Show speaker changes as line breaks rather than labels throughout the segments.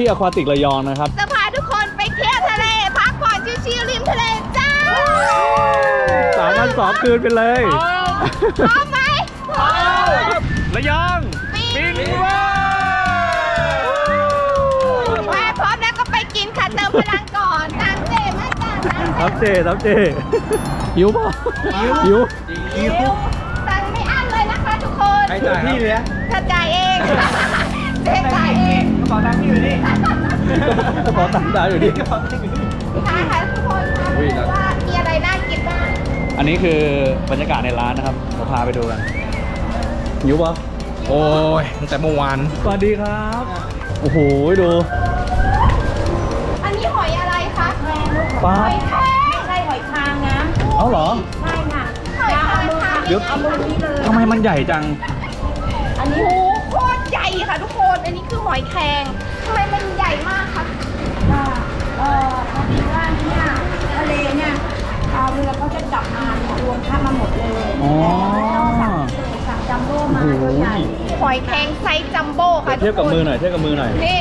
อควาติกระยองนะครับ
จะพาทุกคนไปเที่ยวทะเลพักผ่อนชิลๆริมทะเลจ้า
3 วัน 2 คืนไปเลย
พร้อมไหมพร้อม
ระยองบินว่า
พร้อมแล้วก็ไปกินค่ะเติมพลังก่อนตามเจมาจ้า
ทับเจหิวป่ะหิว
สั่งไม่อั้นเลยนะคะทุกคน
ใครจ่ายพี่เลยนะ
ถ้าจ่ายเองเจ๊จ่ายเอง
กระเป๋าตังค์พี่อยู่นี่กระเป๋าตังค์ได้อยู่นี่
ค่ะทุกคนว่ามีอะไรน่ากินบ้าง
อันนี้คือบรรยากาศในร้านนะครับเราพาไปดูกันหิวป่ะ
โอ้ยตั้งแต่เมื่อวาน
สวัสดีครับโอ้โหดู
อันนี้หอยอะไรคะ
ปลา
หอยแครงใช่หอยคางนะ
เอาเหรอ
ใช่ค่ะหอยคาง
เดี๋ยว
เอามือนี้เลย
ทำไมมันใหญ่จัง
อันนี้โอ้โคตรใหญ่ค่ะทุกคนอันนี้คือหอยแครงทำไมมันใหญ่มากคะ
พอดีว่าเนี่ยทะเลเนี่ยชาวเรือเขาจะจับมารวมค่ามาหมดเลยแต่เราสั่งจัมโบ้มาตัวใหญ่
หอยแครงไซส์จัมโบ้ค่ะ
เทียบกับมือหน่อย
นี่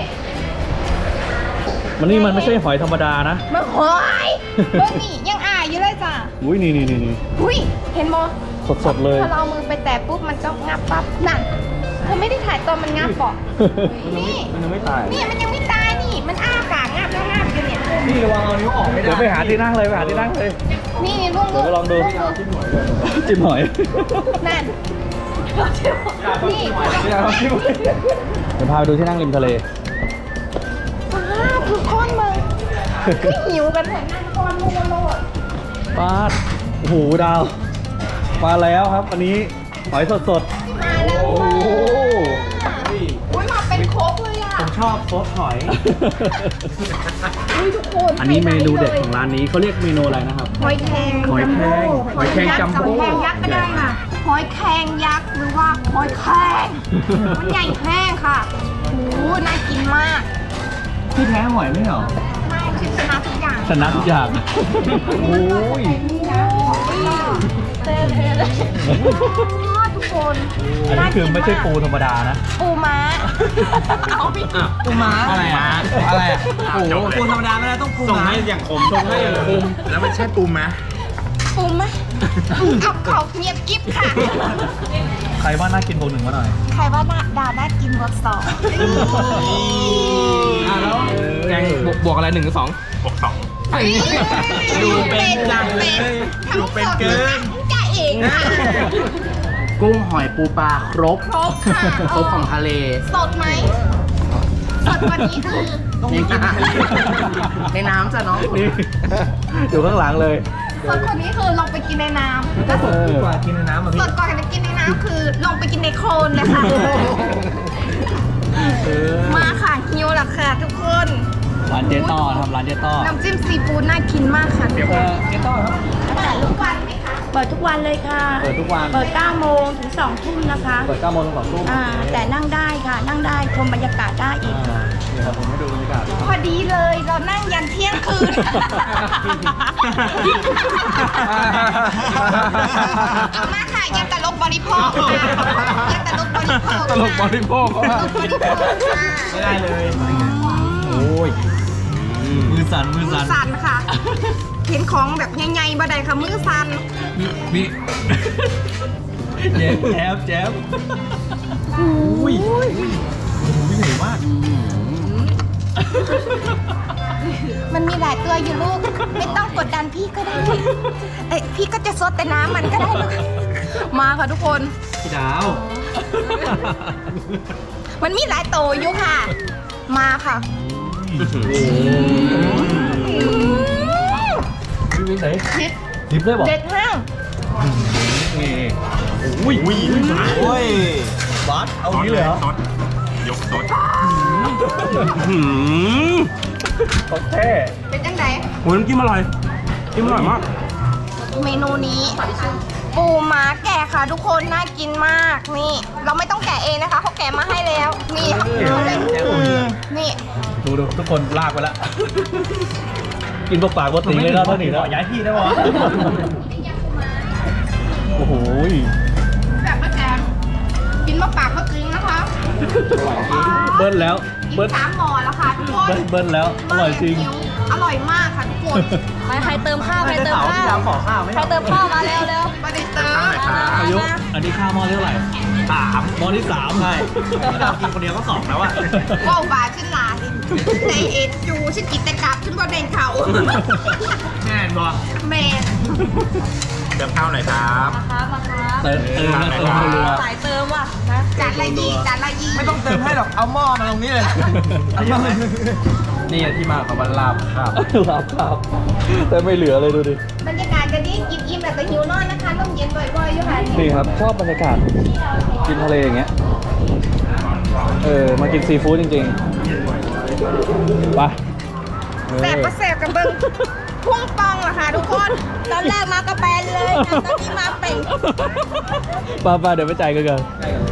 มันไม่ใช่หอยธรรมดานะ
มันหอยเบิ้งนี่ยังอ่ายอยู่เลยจ้ะ
อุ้ยนี่
อุ้ยเห็นโม
สดเลย
พอเราเอามือไปแตะปุ๊บมันก็งับปั๊บนั่นเธอไม่ได้ถ่ายตอนมันงับปอกนี่
มันยังไม่ตาย
นี่มันยังไม่ตายนี่มันอ้าปากงับแล้วงับอยู่เนี่ย
นี่ระวังเอานิ้วออกไม่ได้เดี๋ยวไปหาที่นั่งเลย
นี่ลุง
เดี๋ยวไปลองดูจิ้มหอย
นั่นนี่
เดี๋ยวพาไปดูที่นั่งริมทะเล
คือค้อนมึงคือหิวกันเหมือนนั่งค้อนมูโลด
ปลาโอ้โหดาวมาแล้วครับอันนี้หอยสด
มาแล้วโอ้โหมาเป็นโค้กเลยอ่ะ
ผมชอบซดหอย
ทุกคน
อันนี้เมนูเด็ดของร้านนี้เขาเรียกเมนูอะไรนะครับ
หอยแครง
จัมโบ้
ยักษ์ก็ได้ค่ะหอยแครงยักษ์หรือว่าหอยแครงมันใหญ่แห้งค่ะโอ้โหน่ากินมาก
พี่แพ้หอยไม่เหรอ
ไม่ชนะทุกอย่าง
โอ้ย
ทุกคน
อันนี้คือไม่ใช่ปูธรรมดานะ
ปูม้าเอาพี่
ปูม้าอะไรอ่ะโอ้โหปูธรรมดาไม่ได้ต้องปูม้าส่งให้อย่างขมแล้วมันใช่ปูม้า
เอาเขาเงียบกิ๊บค่ะ
ใครว่าน่ากินบวก 1มาหน่อย
ใครว่าดาวน่ากินบวก 2
แล้วแกงบวกอะไร1 หรือ 2บวก 2ดูเป็นจังเลยดูเป็นเกิน
จ่าเองค่ะ
กุ้งหอยปูปลาครบ
ค่ะ
ครบของทะเล
สดไหมสดกว่านี้คือ
ต้องกินในน้ำจ้ะน้อง
นี่อยู่ข้างหลังเลย
สดกว่านี้คือลงไปกินในน้ำ
ก็สดกว่ากินในน้ำ
สดกว่ากินในน้ำคือลงไปกินในโคลนเลยค่ะมาค่ะฮิวแล้วค่ะทุกคน
ร้านเจ๊ต้อทำร้านเจ๊ต้อ
น้ำจิ้มซีฟู้ดน่ากินมากค่ะ
เจ๊ต้อครับ
เปิดทุกวันไหมคะ
เปิดทุกวันเลยค่ะ
เปิดทุกวัน
เปิด9 โมงถึง 2 ทุ่มนะคะ
เปิด9 โมงถึง 2 ทุ่ม
แต่นั่งได้ค่ะนั่งได้ชมบรรยากาศได้อีก
นี่ครับผมให้ดูบรรยากาศ
พอดีเลยเรานั่งยันเที่ยงคืนมาค่ะยันตลกบริโภคยันตลกบริโภค
ไม่ได้เลยโอ้ยมือสั่น
ค่ะเห็นของแบบใหญ่ๆบ่ได้ค่ะมือสั่น
มีแจ๊บอุ้ยใหญ่มาก
มันมีหลายตัวอยู่ลูกไม่ต้องกดดันพี่ก็ได้พี่ก็จะซดแต่น้ำมันก็ได้ลูกมาค่ะทุกคน
พี่ดาว
มันมีหลายตัวอยู่ค่ะมาค่ะ
วิ่งไหนดิบได้บอก
เด็ดห้าง
นี่อุ้ยบัสเอานี้เลยเหรอยกสดโอเค
เป็นจังไง
โอ้ยน้ำจิ้มอร่อยมาก
เมนูนี้ปูม้าแกะค่ะทุกคนน่ากินมากนี่เราไม่ต้องแกะเองนะคะเขาแกะมาให้แล้วนี่นี่
ดูทุกคนลากไปแล้วกินปากตีเลยแล้วเท่านี้แล้วย้ายที่ได้ปะโอ้โห
แบบมะแกงกินมะปากมะกึ่งนะคะ
เบิ้ลแล้ว
กิน3 หม้อแล้วค่ะทุกคน
เบิ้ลแล้วอร่อยจริง
อร่อยมากค่ะทุกคน
ใครเติมข้าวใครเติมข้าว
ขอข้าวไหม
ใครเติมข้าวมาเร็วเร็ว
ไม่ได้เติม
อายุอันนี้ข้าวหม้อเท่าไหร่หม้อที่ 3ใช่ที่เรากินคนเดียวก็2แล้วอ่ะ
ว้าวบาขึ้นหลาดิในเอ็นจูฉันกินแต่กลับฉันบ่เด่นเขา
แน่นบ่
แมน
เติมข้าวหน่อยครับ
มาครับ
เติมเรือ
สายเติมว่ะนะ
จานละยีจานละยี
ไม่ต้องเติมให้หรอก เอาหม้อมาตรงนี้เลย นี่ที่มาของวันลาบครับ
ครับแต่ไม่เหลือเลยดูดิ
บรรยากาศจะดีกินอิ่มแต่หิวนอนนะคะต้องเย็นบ่อยๆอยู่ค่ะ
นี่ครับชอบบรรยากาศกินทะเลอย่างเงี้ยมากินซีฟู้ดจริงๆไป
แซ่บก็แซ่บกันเบิ้งพุ่งปองเหรอคะทุกคน
ตอนแรกมากระแปนเลยนะตอนนี้มาเป่ง
ไปเดี๋ยวไปจ่ายกันกัน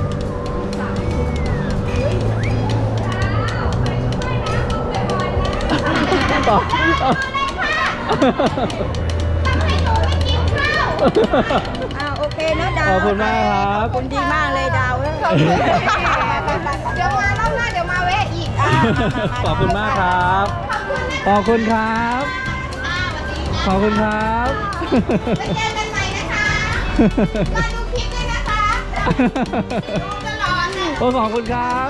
ต่อ
โอเคนะดาว
ขอบคุณมากครับ
คุณดีมากเลยดาว
เดี๋ยวมารอบหน้าเดี๋ยวมาแวะอีก
ขอบคุณมากครับ ขอบคุณครับ ขอบคุณครับ
ไปเจอกันใหม่นะคะมาดูคลิปด้วยนะคะดูตลอดเลย
โอ้ขอบคุณครับ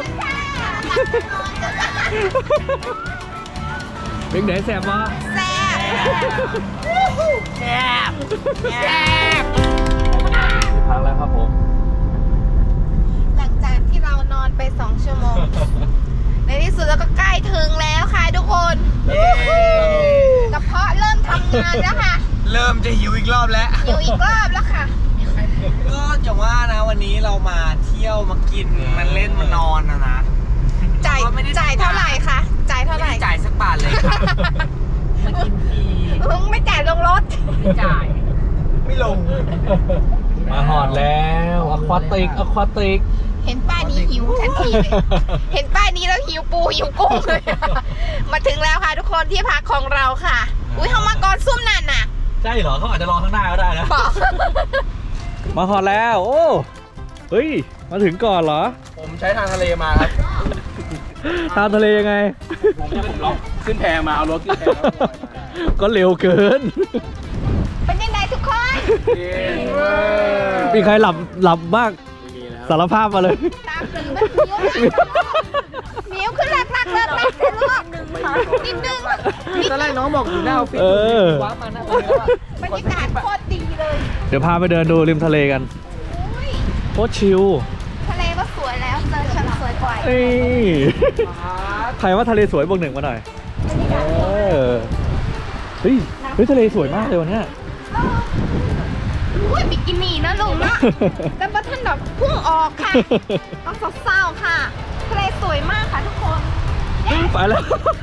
เป็นไหนแสบวะ
แซ่บแซ่บแซ่บ
พักแล้วครับผม
หลังจากที่เรานอนไป2 ชั่วโมง ในที่สุดเราก็ใกล้ถึงแล้วค่ะทุกคนกระเพาะเริ่มทำงานแล้วค่ะ
เริ่มจะหิวอีกรอบแล้ว
อยู่อีกรอบแล้วค่ะ
ก็อย่างว่านะวันนี้เรามาเที่ยวมากินมันเล่นมานอนนะ
จ่าย
ก็ไม่ได้
จ่ายเท่าไหร่คะจ่ายเท่าไหร่
ไม่จ่ายสักบาทเลยค่ะ มากินฟรี
มึงไม่จ่ายลงรถ
ไม่จ่าย ไม่ลง
มาหอดแล้วอควาติก
เห็นป้ายนี้หิวทันทีเลย เห็นป้ายนี้แล้วหิวปูหิวกุ้งเลย มาถึงแล้วค่ะทุกคนที่พักของเราค่ะ อุ้ยเขามาก่อนซุ่มนั่นน่ะ
ใช่เหรอเขาอาจจะรอข้างหน้าก็ได้นะ
บอก
มาหอดแล้ว โอ้เฮ้ยมาถึงก่อนเหรอ
ผมใช้ทางทะเลมาครับ
ทางทะเลยังไง
ผมล็อกขึ้นแพมาเอารถขึ้นแพแล้วลอยมา
ก็เร็วเกิน
เป็นยังไงทุกคน
มีใครหลับบ้างสารภาพมาเลย
ตามสื่อมันหิวขึ้นหลักเลิกเสร็จลูกนิดนึง
ตอนแรกน้องบอกอยู่หน้าออฟฟิศ
เออ
ว้ามาหน้าตรงนี้แล้วอะ
บรรยากาศโคตรดีเลย
เดี๋ยวพาไปเดินดูริมทะเลกัน
อุ้ย
โคตรชิล
ทะเลก็สวยแล้วเจอฉันสวยกว่า
นี่ใครว่าทะเลสวยบวก1มาหน่อยเฮ้ยทะเลสวยมากเลยวันเนี้ย
อุ้ยบิกินี่นะลุงนะแต่ว่าท่านแบบพุ่งออกค่ะต้องเศร้าๆค่ะทะเลสวยมากค่ะทุกคน
ไปแล้ว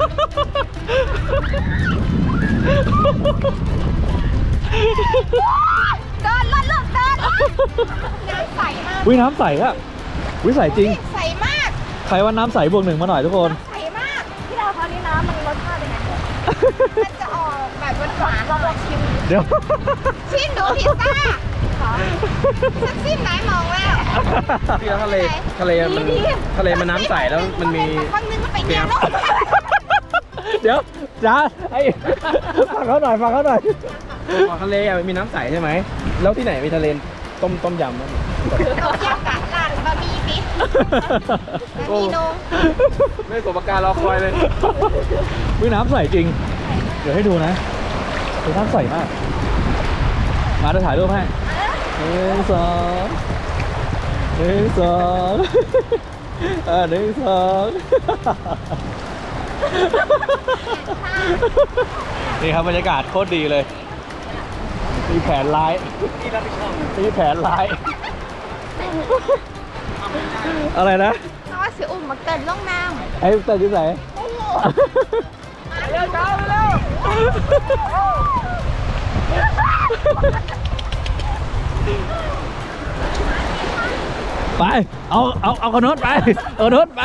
เดินเลิกเดินน้ำใสมาก
วิน้ำใสอะวิใสจริง
ใสมาก
ใครว่าน้ำใสบวก1มาหน่อยทุกคน
ใสมาก
ที่เราคราวนี้น้ำมันรสชาติเป็นไง
มันจะออกแบบหวานๆเราลองชิม
เดี๋ยว
ชิมดูพิซซ่าฉันชิมไหนมองแล้ว
ที่ทะเลมันน้ำใสแล้วมันมี
ครั้งนึงมันไปเยี่ยมแล้ว
เดี๋ยวจ้าไอ้ฟังเขาหน่อย
ทะเลอะมันมีน้ำใสใช่ไหม แล้วที่ไหนมีทะเลต้มยำมั้ง
เราเยี่ยมกับร้านบะหมี่ปิ๊บบะหมี่นง
ไม่สมการรอคอยเลย
วิน้ำใสจริง เดี๋ยวให้ดูนะดูน้ำใสมาก มาจะถ่ายรูปให้1 2 1 2 1 2 นี่ครับบรรยากาศโคตรดีเลย มีแผนร้ายมีแผนร้าย อะไรนะ
เพราะว่าสิอุ่มมาเกินล่องน้ำ
ไอ้ตัดที่ไหน
โอ้โห
เร็วเช้าเร็ว
ไป เอากระโนดไป เอากระโนดไป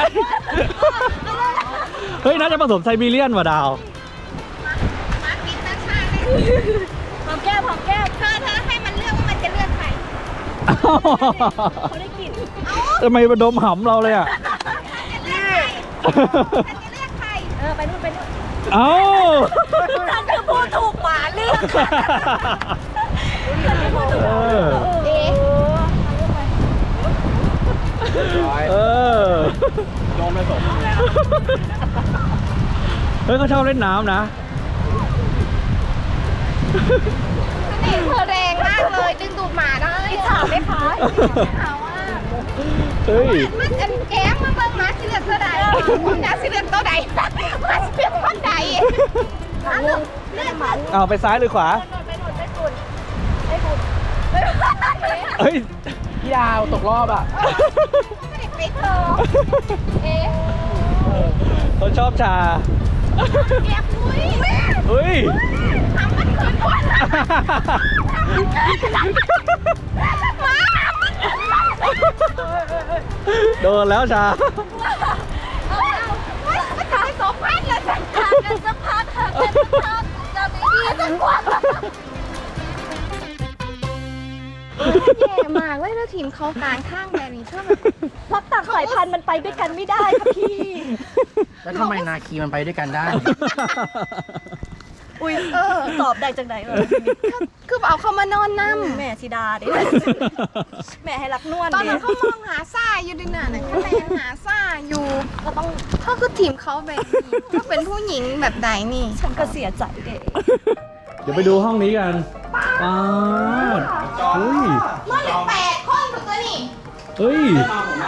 เฮ้ย น่าจะผสมไซบีเรียนว่ะดาว
มาปิดตาชาเลย
หอมแก้ม
เธอให้มันเลือกว่ามันจะเลือกใคร
เขาได้กลิ่น
ทำไมมาดมหำเราเลยอ่ะ
ฉันจะเรียกใคร
ไปนู่นไปนู่น
เอ้า
ฉันคือผู้ถูกหมาเลือกค่ะฉันคือผู้ถูกหมาเลือก
เอ๊ะ
เออ
โดนไปสม
เฮ้ยเขาชอบเล่นน้ำนะ
เสน่ห์เธอแรงมากเลยดึงดูดหมาได้
ถามไหมคะ
ถามว่า
เฮ้ย
มันอันแก้มมาเบิ่งหมาสิเลือกตัวใดคุณนะสิเลือกตัวใดหมาสิเลือกตัวใดมาลูกเลือกมา
เอาไปซ้ายหรือขวา
ไปนู่นไปฝุ่นไปฝุ่น
เฮ้ย
พี่ดาวตกรอบอ่ะ
ไม่ได้ไปเธอเอ๊ะ
เขาชอบชา
แก้มอุ้ย
เฮ้ย
ทำมันคืนก่อนนะมา
โดนแล้วชา
ไม่ตายสองพันเลยฉันขาดกันสักพักค่ะเป็นสักพักจะไม่ดีสักกว่าแย่มากเลยแล้วทีมเขากลางข้างแบบนี้ชอบแบบ
เพราะต่างสายพันธุ์มันไปด้วยกันไม่ได้ค่ะพี่
แล้วทำไมนาคีมันไปด้วยกันได้
อุ้ยตอบได้จังไหนวะ
คือเอาเขามานอนนั่ม
แม่ธิดาดิแม่ให้รักนวล
ตอนนั้น
ดิ
เขามองหาซ่าอยู่ดิน่ะเขาแลนหาซ่าอยู่ก็ต้องเขาคือทีมเขาแบบนี้ถ้าเป็นผู้หญิงแบบใดนี่
ฉันก็เสียใจเด็ก
เดี๋ยวไปดูห้องนี้กันป๊าดเฮ้ย
นอนอยู่8 คนถูกตัวนี่
เฮ้ย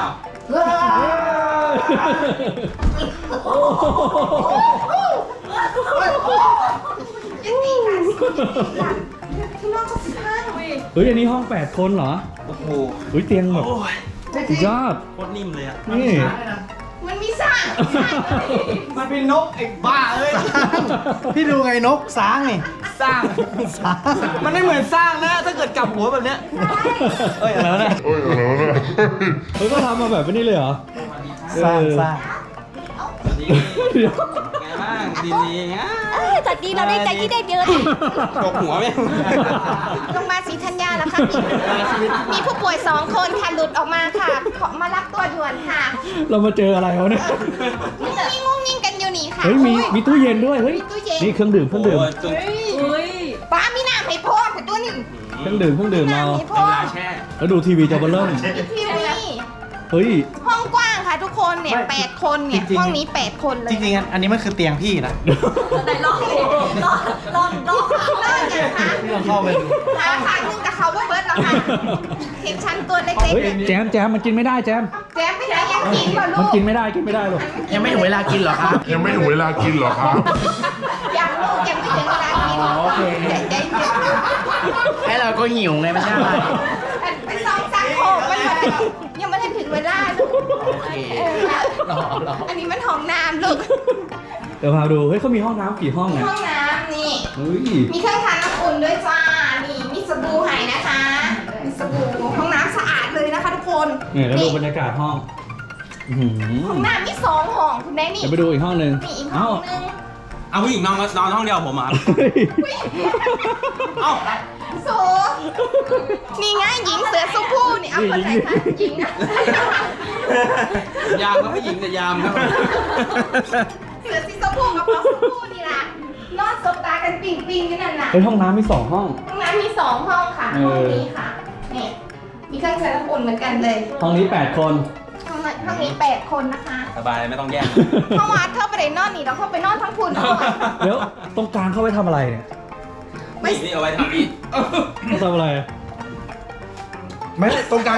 ยังตีกันที่นอกก็ข้าง
เฮ้ย อันนี้ห้อง 8 คนเหรอ
โอ้โห
เฮ้ย เตียงแบบสุดยอด
โคตรนิ่มเลยอ่ะ
นี่
มันมีซ่า
มันเป็นนกไอ้บ้าเอ้ย
พี่ดูไงนกสร้างนี่
สร้าง
สร้าง
มันไม่เหมือนสร้างนะ ถ้าเกิดกลับหัวแบบเนี้ย
เฮ้ยอะไรวะเนี่ยเฮ้ยก็ทำมาแบบนี้เลยเหรอ
สร้างสร้าง
เดี๋ยว
ไงบ้างดีๆอ่ะ
จากดีเราได้ใจที่ได้เยอะดิ
ตกหัวไหม
โรงพยาบาลศรีธัญญาแล้วค่ะมีผู้ป่วย2 คนค่ะหลุดออกมาค่ะ ขอมารับตัวด่วนค่ะ
เรามาเจออะไรวะเนี่ย
งุ้งงิ้งกันอยู่นี่ค่ะ
เฮ้ย มีตู้เย็นด้วย เฮ้ย
มีตู้เย็น
นี่เครื่องดื่ม เครื่องดื่ม
ป้ามีน้ำให้พ่อแต่ตัวนี้
เครื่องดื่ม เครื่องดื่ม
น้ำ
เอา
ให้พ่อ
ลาแช่
แล้วดูทีวีจอเบลเริ่ม
ทีวี
เฮ้ย
ห้องกว้างค่ะทุกคนเนี่ย 8 คนเนี่ย
จริงๆ
ห้องนี้ 8 คนเลย
จริงๆอันนี้มันคือเตียงพี่นะ
ไหนลองลองลองลอง
เลิกกันค่ะ
พี่ลองเข้าไปดู
หาขาหนึ่งกับเขาว่าเบิร์ดแล้วค่ะเห็นชั้นตัวเล็ก
เฮ้ย
ๆ
แจม แจม มันกินไม่ได้แจม
แจ๊บไปไหนยังกินเปล่าลู
มัน
ก
กินไม่ได้ กินไม่ได้หรอก
ยังไม่ถึงเวลากินเหรอครับ
ยังไม่ถึงเวลากินเหรอครับ
ยังลูกยังไม่ถึงเวลากิน
โอเค
ใจเย็น
ให้เราก็หิวไงไม่ใช่อะไร
ไปซองซักโขกมันมายังไม่ได้ถึงเวลาลูก
โอเค รอ
อันนี้มันห้องน้ำลูก
เดี๋ยวพาดู เฮ้ยเขามีห้องน้ำกี่ห้องเนี่ย
ห้องน้ำนี่
เฮ้ย
มีเครื่องทานน้ำอุ่นด้วยจ้า นี่มีสบู่ให้นะคะ มีสบู่ห้องน้ำสะอาดเลยนะคะทุกคน
เนี่ยแล้วดูบรรยากาศห้องอื้อหือ
ห้องน้ำมี2 ห้องคุณแม่นี่
เดี๋ยวไปดูอีกห้องหนึ่ง
มีอีกห้
เอ้า
องนึง
เอาผู้หญิงนอนห้องเดียวผมอ่ะ
เฮ้ย
เอ้า
โซนี่ไงหญิงเสือสุผู้นี่เอาคนไหนคะหญิงอะ
ยามก็ผู้หญิงแต่ยามครับ
เสือสีสุผู้กับปอสุผู้นี่ล่ะนอนสบตากันปิ่งๆกันนั่นน่ะ
เฮ้ยห้องน้ำมี2 ห้อง
ห้องน้ำมี2 ห้องค่ะ
เออ
ห้องนี้ค่ะ นี่ มีเครื่องใช้น้ำอุ่นเหมือนกันเลย
ห้องนี้ 8 คน
ห้องนี้8 คนนะคะ
สบายไม่ต้องแย่ง
เพราะว่าเธอไปได้นอนนี่เราเข้าไปนอนทั้งคุณด้วย
เดี๋ยวตรงกลางเข้าไปทำอะไรเนี่ย
นี่เอาไว้ทำอีก
เขาทำอะไร
ไม่ตรงกลาง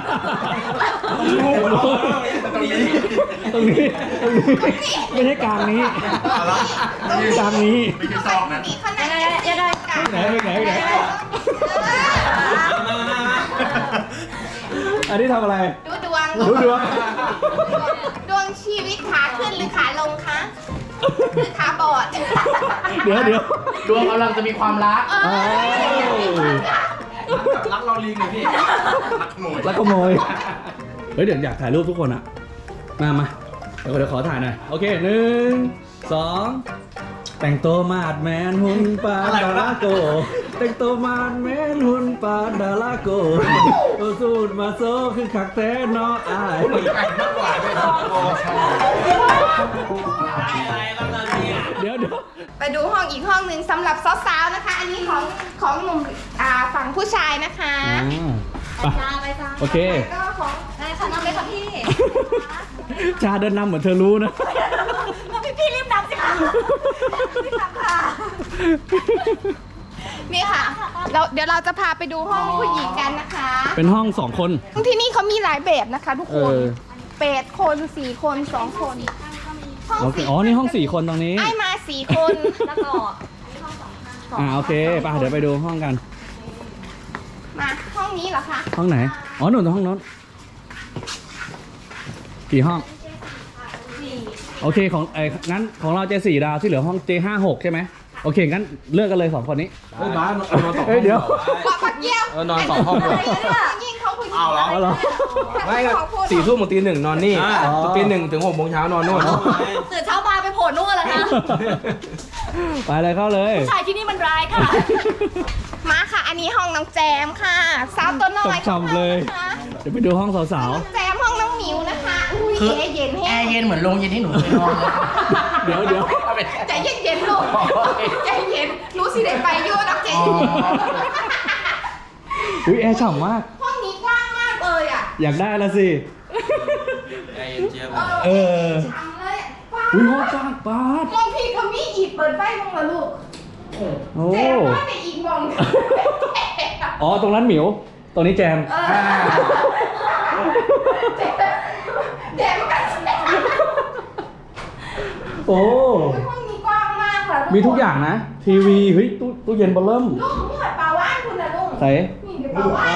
ตรงนี้
ตรงนี้ ไม่ใช่กลางนี้ กลางนี้
ไม่ใช่ซอกนะ
นี่ขนาด
ยังไง
ไหนไหน อันนี้ทำอะไร
ดูดวง
ดูดวง
ดวงชีวิตขาขึ้นหรือขาลงคะหรือขาบอด
เดี๋ยว
ดวงกำลังจะมีความรัก
เออ
รักเราลิงเลยพี่
รักขโมย
แล้วก็โมย เฮ้ยเดี๋ยวอยากถ่ายรูปทุกคนอะมาเดี๋ยวขอถ่ายหน่อย โอเค 1 2 แต่งตัวมาดแมนหุ่นปลาดาราโก แต่งตัวมาดแมนหุ่นปลาดาราโกโอสูดมาโซคือคักแท้เนาะอาย เดี๋ยว
ไปดูห้องอีกห้องหนึ่งสำหรับสาวๆนะคะ อันนี้ของหนุ่มฝั่งผู้ชายนะคะ
ไป
ไปจ้า
โอเค
ก็ของได้ค่ะน้องเลยค่ะพี่
ชาเดินนำเหมือนเธอรู้นะ
พี่รีบนำสิคะรีบนำค่ะ
นี่ค่ะเดี๋ยวเราจะพาไปดูห้องผู้หญิงกันนะคะ
เป็นห้อง2 คน
ที่นี่เขามีหลายแบบนะคะ ทุกคน 8 คน 4 คน 2 คนห้อง
โอเค
สี่
อ๋อ นี่ห้อง4 คนตรงนี้
ไอ้มา 4 คนแล้วก็
โอเคไปเดี๋ยวไปดูห้องกัน
มาห้องนี้เหรอคะ
ห้องไหน อ๋อหนุนห้องโน้นกี่ห้อง โอเคของงั้นของเราJ4 ดาวที่เหลือห้องJ56ใช่ไหมโอเคงั้นเลือกกันเลย2 คนนี้
เฮ้ยบ้านนอนสองห้อง
เดี๋ยว
บอกปักเกี้ยว
นอน2 ห้องเลย
ยิ่งเขาผู้หญิง
เอาเหรอ
เอาเหรอ
ไม่ก็4 ทุ่มถึงตี 1นอนนี่ตี 1 ถึง 6 โมงเช้านอนนู่น
ตื่นเช้ามาไปโผล่นู่นเหรอคะ
ไปเลยเข้าเลย
ชายที่นี่มันร้ายค่ะ
มาค่ะ อันนี้ห้องน้องแจมค่ะ สาวตัวน้อย
ฉ่ำๆเลย
นะคะ
เดี๋ยวไปดูห้องสาว
น้องแจมห้องน้องหมิวนะคะอุ้ยแอร์เย็น
แอ
แห้ง
ร์เย็นเหมือนโรงเย็นที่หนูเคยนอนเลย
ๆ เดี๋ยว
ใจเย็นๆลูกใจเย็นรู้สิได้ไปโยนักใจเย็น
อุ้ยแอร์ฉ่ำมาก
ห้องนี้กว้างมากเลยอ่ะ
อยากได้ละสิ เออ
ทำเลยกว้าง
อุ้ยห้องกว้างปาด
มองพี่ก็มีอีกเปิดไฟมองละลูก
โอ้
แจมว่าในอีกมอง
อ๋อ ตรงนั้นหมิว ตรงนี้แจม
แจมกัน
โอ้
ห้องนี้กว้างมากค่ะ
มีทุกอย่างนะ ทีวี เฮ้ย ตู้เย็นเบอร์เริ่ม
ลูกนี่เหมือนปลาว่านคุณนะลูก
ใส่
นี่เดี๋ยวปลาว่าน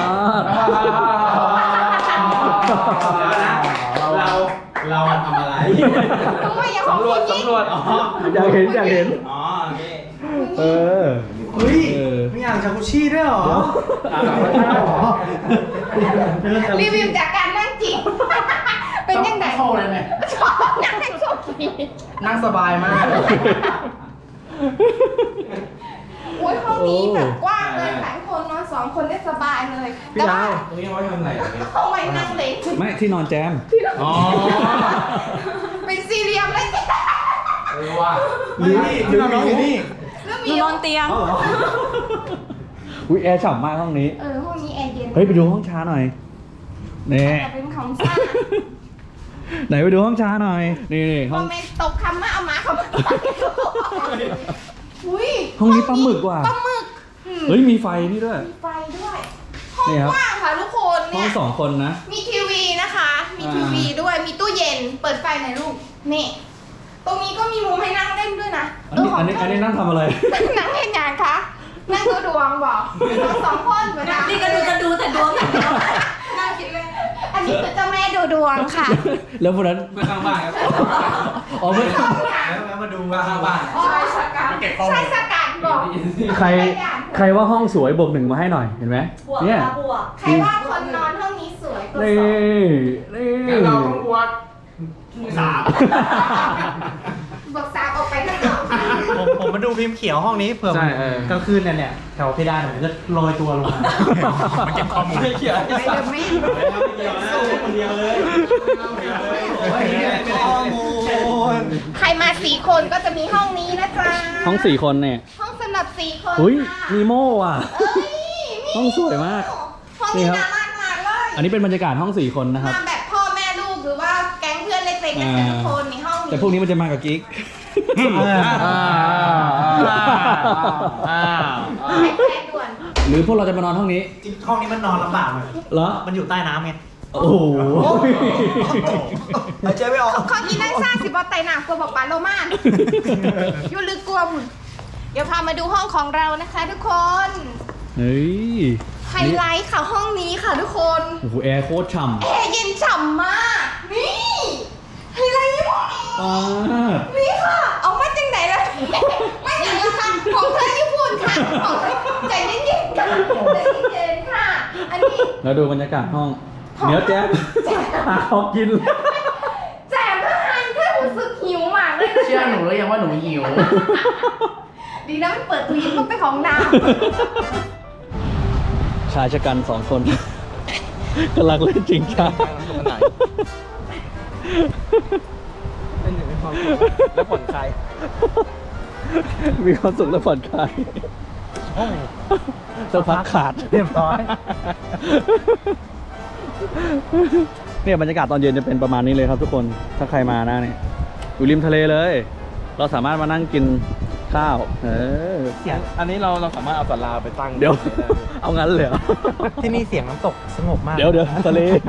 เราทำอะไร
ทำไมอย่างของคุณยิ่ง
สำรวจอ๋อ
อยากเห็น
อ๋อโอเค
เออ
เฮ้ยมีอ่างจากุชชี่ด้วยเหรอ
รีวิวจากการนั่งจิบเป็นยังไง
เข้าเลยไหม
ชอบนั่งโชคดี
นั่งสบายมาก
โอ้ยห้องนี้แบบกว้างเลยหลายคนนอน2 คนได้สบายเลย
พี่ดาว
ตรงนี้เอาไว้ทำอะไรอ่ะ
เอาไว้นั่งเล็ก
ไม่ที่นอนแจม
อ๋อ
เป็นสี่เหลี่ยมเลย
ว่า
นี่ที่นอนน้องอยู่นี่
แล้ว
ห
มี
นูนอนเตียง
อุ้ยแอร์ฉ่ำมากห้องนี้
ห้องนี้แอร์เย็น
เฮ้ย ไปดูห้องช้าหน่อยนี่
แต่เป็นของซ่า
ไหนไปดูห้องช้าหน่อย นี่ห้
ค
อ
อง มเมนต์ตกคำมาเอามาคำอุ้ย
ห้องนี้ปลาหมึกว่ะ
ปลาหมึก
เฮ้ย มีไฟนี่ด้วย
มีไฟด้วยห้อง
นี่ครับ
กว้างค่ะทุกคน
ห้อ
เนี่
ง
ย
2 คนนะ
มีทีวีนะคะ มีทีวีด้วย มีตู้เย็น เปิดไฟหน่อยลูก นี่ ตรงนี้ก็มีมุมให้นั่งเล่นด้วยนะ
อันนี้นั่งทำอะไร
นั่งเล่นงานคะ นั่งดูดวงบอกเรา2 คนเหมือนกัน
นี่ก็จะดูแต่ดวงอย่างเดียว
นั่งคิดเลยอันนี้คือเจ้าแม่ดูดวงค่ะ
แล้วพวกนั้น
เมื่อข้างบ้านครับ
อ๋อไม่
แล้วมาดู
มาข้างบ้าน
ใช่สกัดใช่สกัดบอก
ใครว่าห้องสวยบวก 1มาให้หน่อย เห็นไหม
บวก
เนี่ย
ค่ะบวก
ใครว่าคนนอนห้องนี้สวยตัว
นี่
สอง
นี่
งั้นเราต้องบวก3
บอกสามออกไปข้างนอก
ผมมาดูพิมพ์เขียวห้องนี้เผื่อ
ใช่เออ
กลางคืนเนี่ยแถวเพดานผมจะโรยตัวลงมา
มันเก็บข้อมูลไม่เกี่ยว
ไม่เดิมไม่
คนเดียวเลยข้อมูล
ใครมา4 คนก็จะมีห้องนี้นะจ๊ะ
ห้อง4 คนเนี่ย
ห้องสำหรับ4 คน
อุ้ย
ค่ะ
นีโม่อ่ะ
เอ้ยมี
ห้องสวยมาก
ห้อง
นี่
นี้
ครับ
น่ารักมากเลย
อันนี้เป็นบรรยากาศห้อง4 คนนะครับ
มาแบบพ่อแม่ลูกหรือว่าแก๊งเพื่อนเล็กๆกันแต่ละคนในห้องนี้
แต่พวกนี้มันจะมากับกิ๊ก
ให้แฟนด่วน
หรือพวกเราจะมานอนห้องนี้
จริงห้องนี้มันนอนลำบากเลย
เหรอ
มันอยู่ใต้น้ำไง
โอ้โห
หายใจไม่ออก
ข้อนี้นั่งซ่าสิบอไตหนักกลัวบอกปลาโลมานอยู่ลึกกลัวบุญเดี๋ยวพามาดูห้องของเรานะคะทุกคน
เฮ้ย
ไฮไลท์ค่ะห้องนี้ค่ะทุกคน
โอ้โห แอร์โคตรฉ่ำ
แอร์เย็นฉ่ำมาก นี่ไฮไลท์นี่พวกนี้
อ่า
นี่ค่ะ เอามาจังไหนล่ะไม่อย่างละค่ะของเธอญี่ปุ่นค่ะของเธอใจเย็นๆค่ะใจเย็นๆค่ะ อันนี้
แล้วดูบรรยากาศห้อง เดี๋ยวแจ๊บหาของกิน
แจมทหารเธอรู้สึกหิวมากเลยนะ
ใช่หนูแล้วยังว่าหนูหิว
ดีนะไม่เปิดลิ้นต้องไปของน้
ชายชะกันสองคน กำลังเล่นจริงจัง
เป็นหนึ่งในความสุขและผ่อนคลาย
มีความสุขและผ่อนคลายสักพักขาด
เรียบร้อย
เนี่ยบรรยากาศตอนเย็นจะเป็นประมาณนี้เลยครับทุกคน ถ้าใครมานะเนี่ยอยู่ริมทะเลเลย เราสามารถมานั่งกินข้าว
เสียงอันนี้เราสามารถเอาศาลาไปตั้ง
เดี๋ยว เอางั้นเลยเหรอ
ที่นี่เสียงน้ำตกสงบมาก
เดี๋ยวทะเล
ำ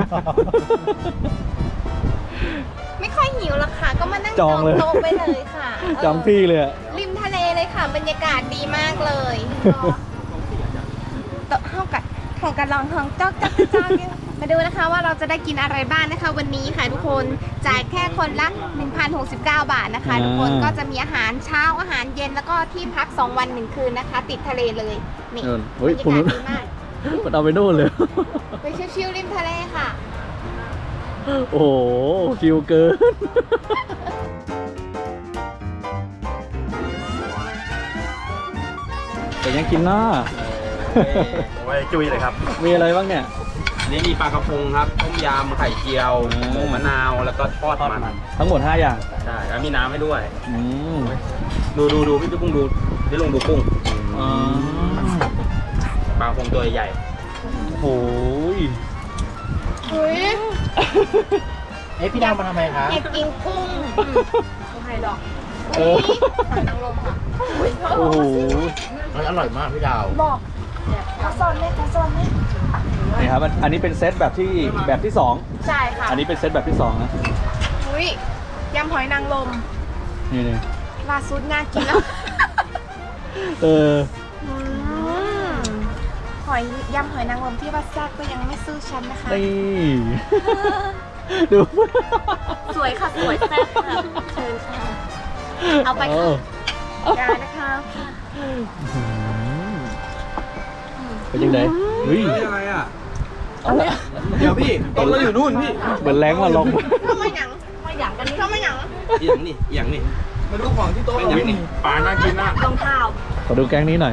ไม่ค่อยหิวหรอกค่ะ ก็มานั่ง
จองเลย
โต๊ะไปเลยค่ะ
จองพี่เลยอะ
ริมทะเลเลยค่ะ บรรยากาศดีมากเลยโต๊ะเท่ากับลองท้องจอกมาดูนะคะว่าเราจะได้กินอะไรบ้างนะคะ วันนี้ค่ะทุกคนจ่ายแค่คนละ 1,069 บาทนะคะ ทุกคนก็จะมีอาหารเช้าอาหารเย็นแล้วก็ที่พัก2 วัน 1 คืนนะคะ ติดทะเลเลยนี่
เฮ้ย
บร
ผม
รยา
รู้
กาศดีมาก
มันเอาไปโน่นเลย
ไปชิวๆริมทะเลค่ะ
โอ้โหคิวเกิน แต่ยังกินหน้า
ไว้จุยเลยครับ
มีอะไรบ้างเนี่ย
นี่มีปลากระพงครับต้มยำไข่เจียวหมูมะนาวแล้วก็ทอดมัน
ทั้งหมด 5 อย่าง
ใช่แล้วมีน้ำให้ด้วย
อืม
ดูพี่กุ้งดูพี่ลุงดูกุ้ง
อ๋อ
ปลากระพงตัวใหญ่
โอ้โหย
เฮ้ย
เอ๊ะพี่ดาวมาทำไมคะ
อยากกินกุ้งไม่ให้ดอก
เออ
หอยนางรมค่ะ
โอ้โห
อร่อยมากพี่ดาว
บอกข้าวซอนไหมข้าวซอนไหม
นี่ครับ อันนี้เป็นเซตแบบที่ 2
ใช่ค่ะ
อันนี้เป็นเซตแบบที่ 2 นะ
อุ้ยยำหอยนางรม
นี่
ล่าสุดน่ากินแล้ว
เออ
อืมยำหอยนางรมที่ว่าแซ่บก็ยังไม่สู้ฉันนะคะ
นี่ ดู
สวยค่ะสวยแซ่บค่ะเชิญค่ะเอาไปค่ะยานะคะ
เป็นยังไงเฮ้ย
อะไรอ่ะ
เอาละ
เดี๋ยวพี่ต้นเราอยู่นู่นพี่
เหมือนแรงมาลง
เข้ามาหยังมาหยังกันเข้ามาหยัง
เอียงนี่มาดูของที่โต๊ะเรานี่
ปลาน่ากินนะ
รองเท้า
ขอดูแก๊งนี้หน่อย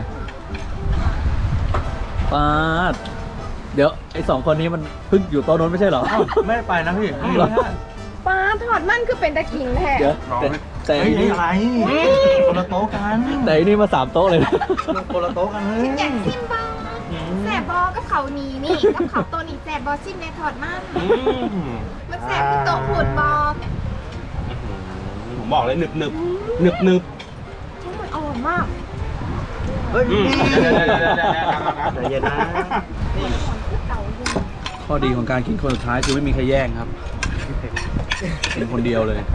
ปาดเดี๋ยวไอ้2 คนนี้มันเพิ่งอยู่โต๊ะโน้นไม่ใช่เหรอ
ไม่ได้ไปนะพี่
เหรอ
ปลาถอดมันคือเป็นตะกิงแท้
เดี๋ยวแต่
เฮ้ย
นี่
อะไรคนละโต๊ะกัน
แต่อันนี่มา3 โต๊ะเลยนะ
คนละโต๊ะกันเลย
อยากซิมบอแสบบอกกับเขานีนี่กับเขาตัวนี้แสบบอซิมในถอดมันมันแสบที่โต๊ะผุดบอ
ผมบอกเลยหนึบ
ทั้งหมดอร่อยมาก
เฮ้ย
เดี๋ยว
ใจเย็นนะ
ข้อดีของการกินคนสุดท้ายคือไม่มีใครแย่งครับเป็นคนเดียวเลย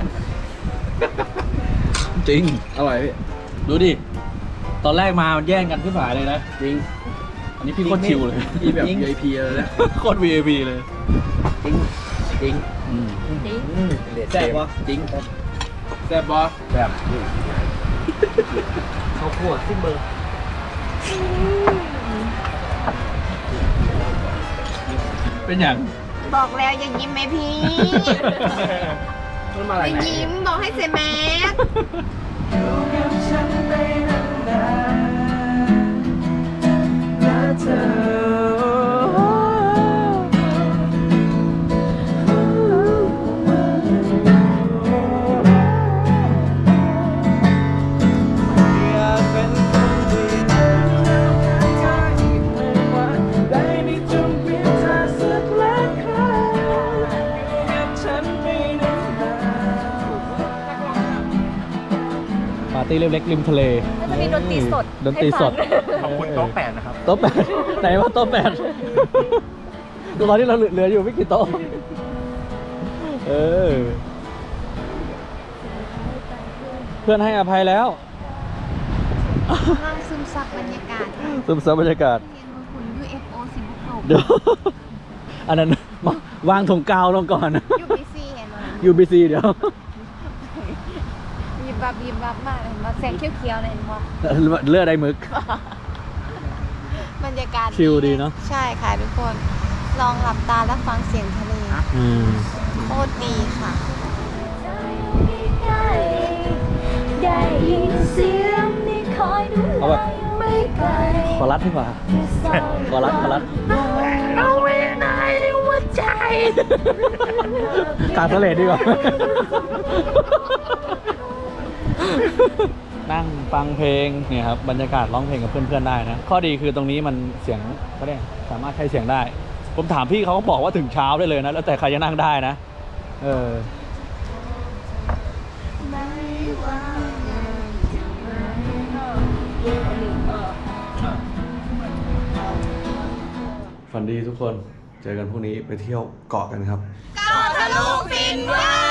จริง
อร่อยพี่
ดูดิ ตอนแรกมามันแย่งกันขึ้นผายเลยนะ จริง อันนี้พี่โคตรชิวเลย
พี่แบบ VIP เลยนะ
โคตร VIP เลย
จริง
อืม
แซ่บปะจริงแซ่บปะแซ่บ
เขาขวดซิเบอร์
เป็นอย่าง
บอกแล้วอย่ายิ้มไหมพี่
มันมา
อ
อะไร
ย่า
ไหน
ยิ้มบอกให้เซแม็ก
ปาร์ตี้เล็กๆริมทะเล
จะมีดนตรีสด
ดนตรีสด
ขอบคุณโต๊ะ8นะครับ
โต๊ะ 8 ไหนว่าโต๊ะ 8ตอนนี้เราเหลืออยู่ไม่กี่โต๊ะ เออ เพื่อนให้อภัยแล้ว
นั่งซึมซับบรรยากาศ
ซึมซับบรรยากาศ
เรียนบนหุ่น UFO สิบหก
เดี๋ยว อันนั้นวางถุงกาวลงก่อน
UBC เห็นไหม
UBC เดี๋ยว
ยิบบับมากเห็นไหมแสงเขียวๆเลยเห็นไหม
เลือดได้มึก
บรรยากาศ
ชิลดีเนอะ
ใช่ค่ะทุกคน ลองหลับตาแล้วฟังเสียงทะเล
อืม
โคตรดีค่ะ
ได้ยินเสียงที่คอยดู
เอาแบบ
ไม่ไกล
ขอรัดดีกว่า ขอรัด
เอาไว้ในหัวใจ
กลางทะเลดีกว่า นั่งฟังเพลงเนี่ยครับบรรยากาศร้องเพลงกับเพื่อนๆได้นะ ข้อดีคือตรงนี้มันเสียงเขาเรียกสามารถใช้เสียงได้ ผมถามพี่เขาก็บอกว่าถึงเช้าได้เลยนะ แล้วแต่ใครจะนั่งได้นะ ฝันดีทุกคน เจอกันพรุ่งนี้ไปเที่ยวเกาะกันครับ
เกาะทะลุฟินเวอร์